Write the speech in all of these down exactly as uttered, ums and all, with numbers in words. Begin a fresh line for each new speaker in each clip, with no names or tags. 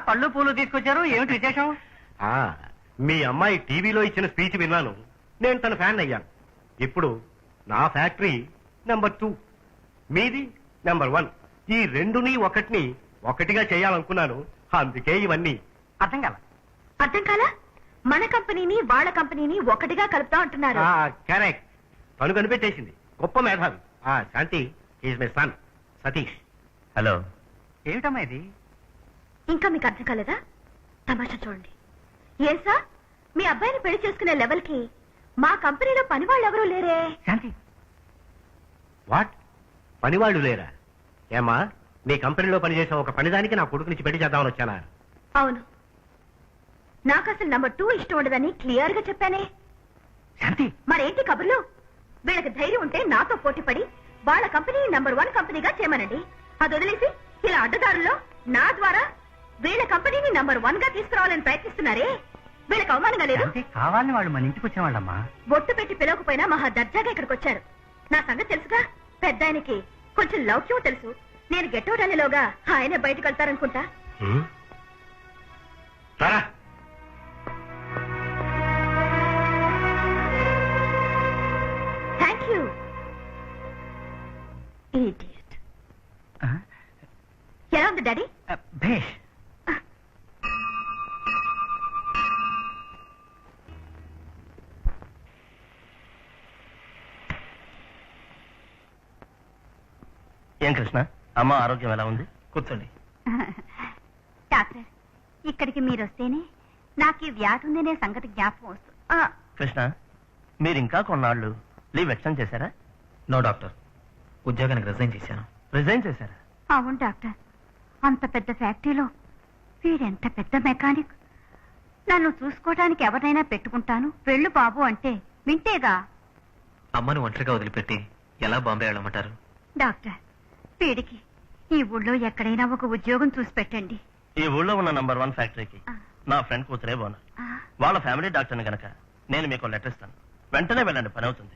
పళ్ళు పూలు తీసుకొచ్చారు, ఏమిటి విశేషం?
మీ అమ్మాయి టీవీలో ఇచ్చిన స్పీచ్ విన్నాను, నేను తన ఫ్యాన్ అయ్యాను. ఇప్పుడు నా ఫ్యాక్టరీ నెంబర్ టూ, మీది నెంబర్ వన్. ఈ రెండుని ఒకటిని ఒకటిగా చేయాలనుకున్నాను, అందుకే ఇవన్నీ.
అర్థం కాల
అర్థం కాలా? మన కంపెనీని వాళ్ళ కంపెనీని ఒకటిగా కలుపుతా అంటున్నారు.
కరెక్ట్, తను కనిపెట్టేసింది. గొప్ప మేధావి. ఆ Shanti is my son Satish.
Hello.
ఏమిటమ్మా ఇది?
ఇంకా మీకు అర్థం కాలేదా? తమాషా చూడండి. ఏం సార్, మీ అబ్బాయిని పెళ్లి చేసుకునే లెవెల్ కి మా కంపెనీలో పని వాళ్ళు ఎవరూ లేరే.
శాంతి,
వాట్? పనివాళ్లు లేరా? ఏమా, నీ కంపెనీలో పనిచేసే ఒక పనిదానికి నా కొడుకు నుంచి పెళ్లి చేద్దామని వచ్చానా?
అవును, నాకు అసలు నంబర్ టూ ఇష్టం ఉండదని క్లియర్ గా చెప్పానే.
శాంతి,
మరేంటి కబుర్లు? వీళ్ళకి ధైర్యం ఉంటే నాతో పోటీ పడి వాళ్ళ కంపెనీ నంబర్ వన్ కంపెనీగా చేయమనండి. అది వదిలేసి ఇలా అడ్డదారుల్లో నా ద్వారా వీళ్ళ కంపెనీని నంబర్ వన్ గా తీసుకురావాలని ప్రయత్నిస్తున్నారే, వీళ్ళకి అవమానంగా లేదు?
కావాలని వాళ్ళు మన ఇంటికి వచ్చేవాళ్ళమ్మా.
బొట్టు పెట్టి పిలవకపోయినా మహా దర్జాగా ఇక్కడికి వచ్చారు. నా సంగతి తెలుసుగా. పెద్ద ఆయనకి కొంచెం లౌక్యం తెలుసు. నేను గెట్టౌట్ అనేలోగా ఆయనే బయటకు వెళ్తారనుకుంటా. Thank you. ఇడియట్. ఎలా ఉంది డాడీ?
భేష్.
ఏం కృష్ణ, అమ్మ ఆరోగ్యం ఎలా ఉంది? కూర్చోండి.
డాక్టర్, ఇక్కడికి మీరు వస్తేనే నాకు ఈ వ్యాధి ఉందనే సంగతి జ్ఞాపకం వస్తుంది.
కృష్ణ, మీరు ఇంకా కొన్నాళ్ళు లీవ్ ఎక్స్టెండ్ చేశారా?
నో డాక్టర్, ఉద్యోగానికి రిజైన్ చేశాను.
రిజైన్ చేశారా?
అవును డాక్టర్, అంత పెద్ద ఫ్యాక్టరీలో వీడెంత పెద్ద మెకానిక్. నన్ను చూసుకోవడానికి ఎవరినైనా పెట్టుకుంటాను, వెళ్ళు బాబు అంటే వింటేగా.
అమ్మను ఒంటరిగా వదిలిపెట్టి ఎలా బాంబే వెళ్ళమంటారు?
డాక్టర్, వీడికి ఈ ఊళ్ళో ఎక్కడైనా ఒక ఉద్యోగం చూసి పెట్టండి.
ఈ ఊళ్ళో ఉన్న నంబర్ వన్ ఫ్యాక్టరీకి నా ఫ్రెండ్ కూతురే బోనర్. వాళ్ళ ఫ్యామిలీ డాక్టర్ని గనక నేను మీకు లెటర్ ఇస్తాను, వెంటనే వెళ్ళండి, పని అవుతుంది.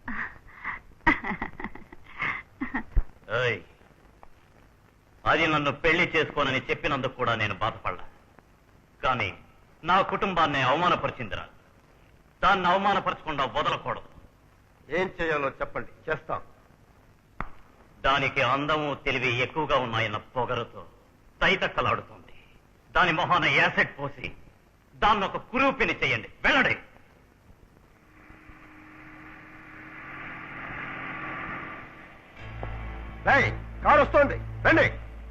అది నన్ను పెళ్లి చేసుకోనని చెప్పినందుకు కూడా నేను బాధపడ్డా, కానీ నా కుటుంబాన్ని అవమానపరిచిందిరా. దాన్ని అవమానపరచకుండా వదలకూడదు.
ఏం చేయాలో చెప్పండి, చేస్తాం.
దానికి అందము తెలివి ఎక్కువగా ఉన్నాయన్న పొగరుతో తైతక్కలాడుతుంది. దాని మొహాన యాసిడ్ పోసి దాన్ని ఒక కురూపిని చెయ్యండి, వెళ్ళండి.
కారు వస్తోంది, రండి.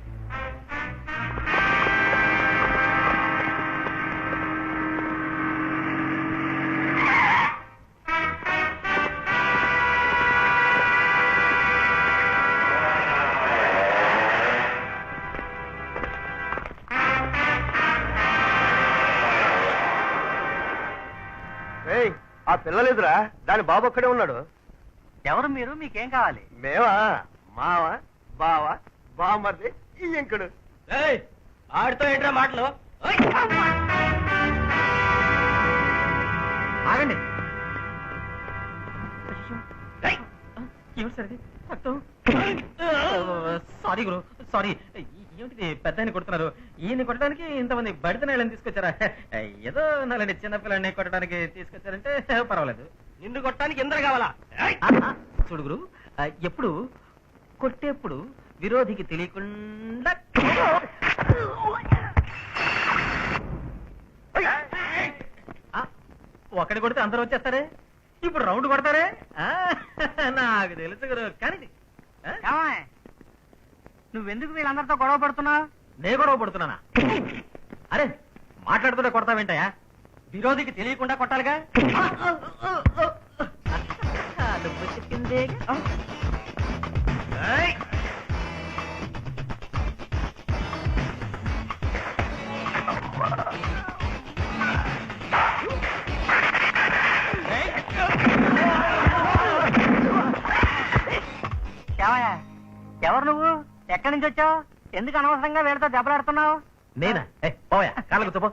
ఆ పిల్లలేదురా, దాని బాబు ఒక్కడే ఉన్నాడు.
ఎవరు మీరు? మీకేం కావాలి?
మేవా, మావ, బావ, బామర్ది, ఈ ఇంకుడు.
ఆడితో ఏంట్రా మాటలు?
ఆగండి. సారీ గురు, సారీ. ఏమిటిది, పెద్ద ఆయన కొడుతున్నారు? ఈయన్ని కొట్టడానికి ఇంతమంది బడిత నేళ్ళని తీసుకొచ్చారా? ఏదో నాలండి చిన్నపిల్లని కొట్టడానికి తీసుకొచ్చారంటే పర్వాలేదు.
నిన్ను కొట్టడానికి ఎందరు కావాలా?
చూడు గురు, ఎప్పుడు కొట్టేప్పుడు విరోధికి తెలియకుండా ఒకటి కొడితే అందరూ వచ్చేస్తారే, ఇప్పుడు రౌండ్ కొడతారే. నాకు తెలుసు గురు. కానీ నువ్వెందుకు వీళ్ళందరితో గొడవ పడుతున్నావు? నే గొడవ పడుతున్నానా? అరే, మాట్లాడుతుంటే కొడతావేంటయా? విరోధికి తెలియకుండా కొట్టాలిగా. నువ్వు చెప్పిందే. ఎవరు నువ్వు? ఎక్కడి నుంచి వచ్చావు? ఎందుకు అనవసరంగా వీళ్ళతో దెబ్బలాడుతున్నావు?
నేనా? పోయా, కాళ్ళ కూర్చోపో.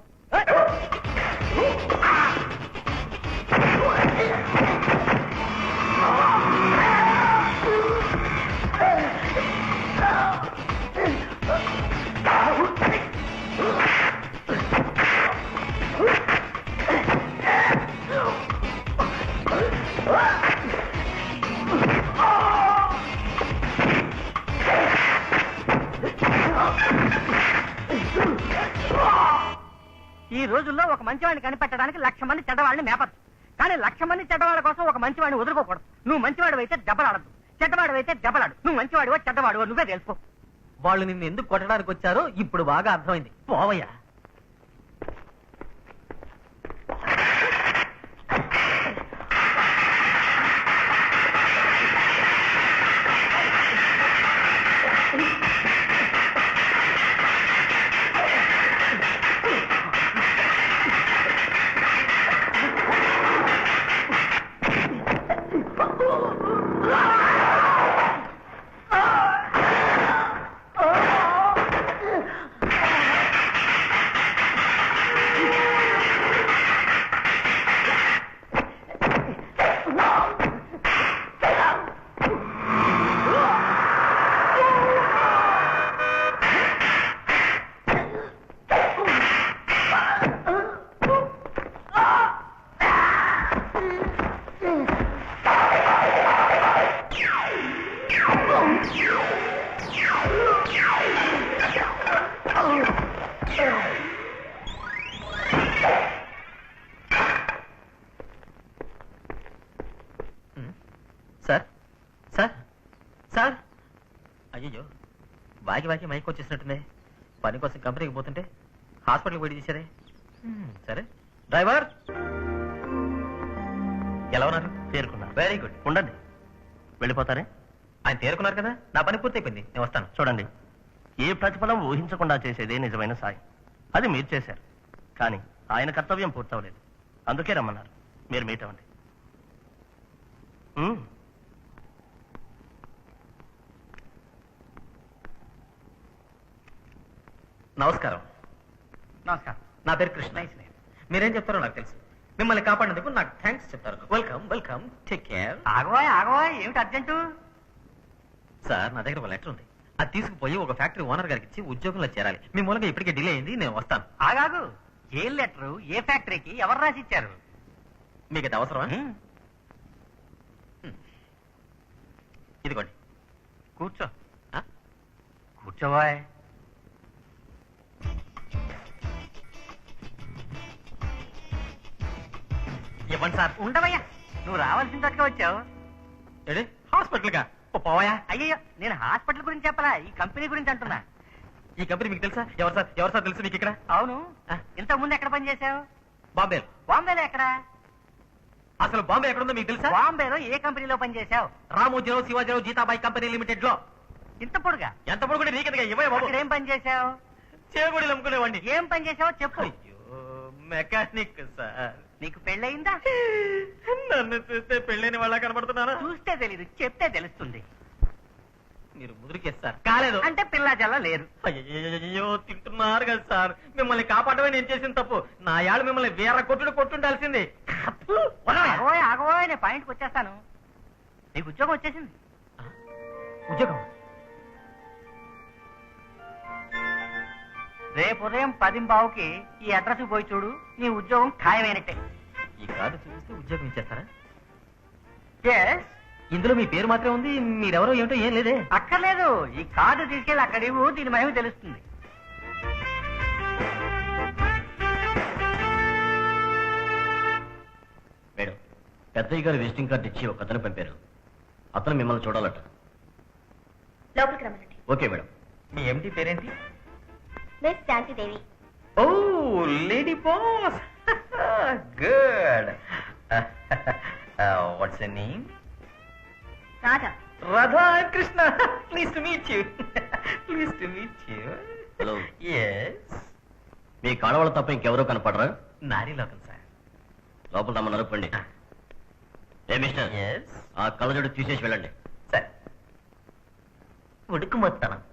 మంచివాడిని కనిపెట్టడానికి లక్ష మంది చెడ్డవాళ్ళని మేపచ్చు, కానీ లక్ష మంది చెడ్డవాళ్ళ కోసం ఒక మంచివాడిని వదులుకోకూడదు. నువ్వు మంచివాడు అయితే దెబ్బలాడద్దు, చెడ్డవాడు అయితే దెబ్బలాడు. నువ్వు మంచివాడివో చెడ్డవాడివో నువ్వే తెలుసుకో.
వాళ్ళు నిన్ను ఎందుకు కొట్టడానికి వచ్చారో ఇప్పుడు బాగా అర్థమైంది. పోవయ్యా. సార్ సార్ సార్ అయ్యో వాకి వాకి మైక్ వచ్చేసినట్టుంది. పని కోసం కంపెనీకి పోతుంటే హాస్పిటల్కి పోయి తీసారే. సరే డ్రైవర్ ఎలా ఉన్నారు?
తేరుకున్నారు.
Very good.
ఉండండి, వెళ్ళిపోతారే.
ఆయన తేరుకున్నారు కదా, నా పని పూర్తయిపోయింది, నేను వస్తాను.
చూడండి, ఏ ప్రతిఫలం ఊహించకుండా చేసేదే నిజమైన సాయం. అది మీరు చేశారు, కానీ ఆయన కర్తవ్యం పూర్తవలేదు. అందుకే రమ్మన్నారు. మీరు మీట్ అవ్వండి. ఉమ్.
నమస్కారం.
నమస్కారం.
నా పేరు కృష్ణ. మీరేం చెప్తారో నాకు తెలుసు. మిమ్మల్ని కాపాడినందుకు నాకు థ్యాంక్స్ చెప్తారు. Welcome welcome, take care.
ఆగవాయ్ ఆగవాయ్, ఏమిటి అర్జెంటు?
సార్, నా దగ్గర ఒక లెటర్ ఉంది. అది తీసుకుపోయి ఒక ఫ్యాక్టరీ ఓనర్ గారికి ఇచ్చి ఉద్యోగంలో చేరాలి. మీ మూలంగా ఇప్పటికే డిలే అయింది, నేను వస్తాను.
ఆగాగు, ఏ లెటరు, ఏ ఫ్యాక్టరీకి, ఎవరు రాసి ఇచ్చారు?
మీకు అది అవసరమా? ఇదిగోండి.
కూర్చో. కూర్చోవాయ్.
ఇవ్వండి సార్.
ఉండవయ్యా, నువ్వు రావాల్సిన చోటుగా వచ్చావు.
ఏడి హాస్పిటల్గా పోవాయా?
అయ్యయ్యో, నేను హాస్పిటల్ గురించి చెప్పలా, ఈ కంపెనీ గురించి అంటున్నా.
ఈ కంపెనీ మీకు తెలుసా? ఎవరు సార్ ఎవరు సార్ తెలుసు మీకు ఇక్కడ?
అవును. ఇంతకు ముందు ఎక్కడ పనిచేసావు?
బాంబే.
బాంబేలో ఎక్కడ?
అసలు బాంబే ఎక్కడుందో మీకు తెలుసా?
బాంబేలో ఏ కంపెనీలో పనిచేసావు?
రామోజీరావు శివాజీరావు జీతాబాయి కంపెనీ లిమిటెడ్ లో.
ఇంత పొడుగా?
ఎంత పొడుగుంటే నీకెందుగా? ఇవ్వయా బాబు.
అక్కడ ఏం పని చేసావు?
చేగొడి అమ్ముకునేవాడిని.
ఏం పని చేసావో చెప్పు.
అయ్యో, మెకానిక్ సార్.
నీకు పెళ్ళయిందా?
నన్ను చూస్తే పెళ్ళైన వాళ్ళ కనబడుతున్నారా?
చూస్తే తెలీదు, చెప్తే తెలుస్తుంది.
మీరు ముదిరికేస్తారు. కాలేదు
అంటే పిల్ల జల్ల లేరు.
అయ్యో, తింటున్నారు కదా సార్. మిమ్మల్ని కాపాడమే నేను చేసిన తప్పు. నా యాళ్ళు మిమ్మల్ని వేర కొట్టుడు కొట్టుండాల్సింది.
ఆగోయ్ ఆగోయ్, నేను పాయింట్కి వచ్చేస్తాను. నీకు ఉద్యోగం వచ్చేసింది.
ఉద్యోగం?
రేపు ఉదయం పదింబావుకి ఈ అడ్రస్ పోయి చూడు, నీ ఉద్యోగం ఖాయమైనట్టే.
ఈ కార్డు చూపిస్తే ఉద్యోగం ఇచ్చేస్తారా?
ఎస్.
ఇందులో మీ పేరు మాత్రమే ఉంది, మీరెవరో ఏమిటో ఏం లేదే.
అక్కర్లేదు, ఈ కార్డు తీసుకెళ్ళి అక్కడ ఇవ్వు, దీని మహిమ తెలుస్తుంది.
మేడం, పెద్దయ్య గారు విజిటింగ్ కార్డు ఇచ్చి ఒక అతను పంపారు. అతను మిమ్మల్ని చూడాలట.
లోపలికి రమ్మనండి.
Okay madam.
మీ ఎంటీ పేరేంటి?
మిస్ శాంతిదేవి.
ఓ, lady boss. Good. What's your name?
Radha.
Radha Krishna. Please to meet you. Please to meet you.
Hello.
Yes.
మీ కాడవాళ్ళ తప్ప ఇంకెవరో కనపడరా?
నారీ లోకం సార్.
లోపల తమ నరపండి. ఏ మిస్టర్,
ఎస్.
ఆ కళ్ళజోడు తీసేసి వెళ్ళండి.
సార్, ఉడుకు మొత్తం